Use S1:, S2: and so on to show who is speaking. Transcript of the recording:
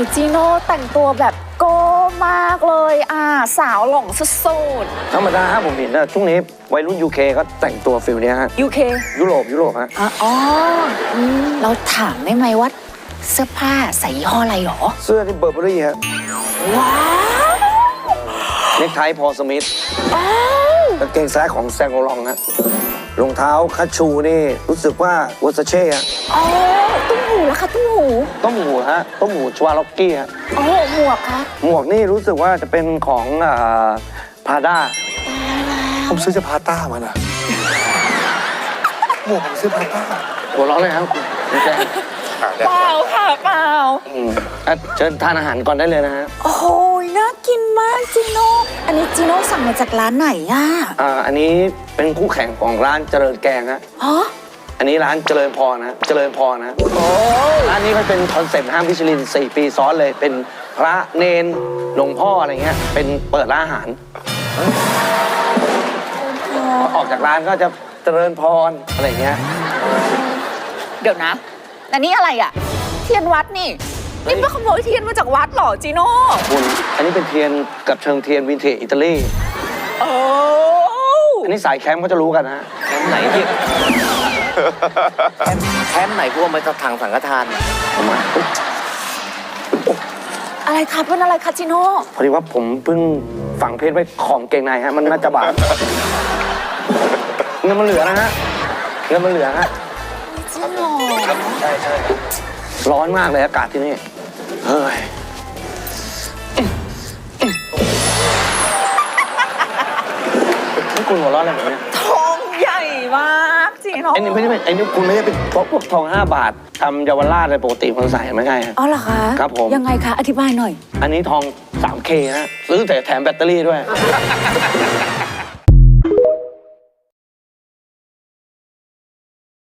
S1: จีโน่แต่งตัวแบบโก้มากเลยสาวหลงสุด
S2: ธรรมดาฮะผมเห็นนะช่วงนี้วัยรุ่น UK ก็แต่งตัวฟิลเนี้ยฮะ
S1: UK
S2: ยุโรปฮะ
S1: อ๋อเราถามได้ไหมว่าเสื้อผ้าใส่ยี่ห้ออะไรหรอ
S2: เสื้อที่เบอร์เบอรี่ฮะ
S1: ว้าว
S2: เนคไทพอสมิธกางเกงซ้ายของแซงโอลองฮะรองเท้าคัชชูนี่รู้สึกว่าวอสเช่ฮะ
S1: อ๋อตุ้มหูแล้วค่ะตุ้มหู
S2: ต้มหูฮะต้มหูชวาล็อกกี้ฮะ
S1: อ๋อหมวกคะ
S2: หมวกนี่รู้สึกว่าจะเป็นของพาด้า
S3: ผมซื้อจากพาต้ามานะหมวกผมซื้อพาต้า
S2: หัวเราะเลยครับคุณแจง
S1: เปล่าค่ะเปล่า
S2: เชิญทานอาหารก่อนได้เลยนะฮะ
S1: โอ้โหน่ากินมากจีโน่อันนี้จีโน่สั่งมาจากร้านไหน
S2: อันนี้เป็นคู่แข่งของร้านเจริญแกงฮะ
S1: ฮะ
S2: อันนี้ร้านเจริญพรนะเจริญพรนะร้านนี้มันเป็นคอนเซ็ปต์ห้างมิชลิน4 ปีซ้อนเลยเป็นพระเนนหลวงพ่ออะไรเงี้ยเป็นเปิดร้านอาหารพอออกจากร้านก็จะเจริญพรอะไรเงี้ย
S1: เดี๋ยวนะแต่นี่อะไรอ่ะเทียนวัดนี่นี่ไปขโมยเทียนมาจากวัดเหรอจีโน่
S2: คุณอันนี้เป็นเทียนกับเชิงเทียนวินเทจอิตาลี
S1: โอ้
S2: อันนี้สายแคมป์ก็จะรู้กันนะ
S4: แคมป์ไหนที่แคมป์ไหนพวกมันจะทางสังฆทาน
S2: ผมมา
S1: อะไรคะเป็นอะไรคะจีโน่
S2: พอดีว่าผมเพิ่งฝังเพชรไว้ของเกงในฮะมันน่าจะบาดเงินมันเหลือนะฮะเงินมันเหลือฮะ
S1: จริงเหรอ
S2: ใช่ร้อนมากเลยอากาศที่นี่เฮ้ยนี่คุณหัวเร้อนอะไรแบบนี้
S1: ทองใหญ่มากจีโน่
S2: ไอ้นี่ไม่ใช่ไอ้นี่คุณไม่ได้เป็นพวกทอง5 บาททำเยาวราชอะไรปกติคนใส่ไม่ใช่ฮะ
S1: อ๋อเหรอคะ
S2: ครับผม
S1: ยังไงคะอธิบายหน่อย
S2: อันนี้ทอง 3K ฮะซื้อแต่แถมแบตเตอรี่ด้วย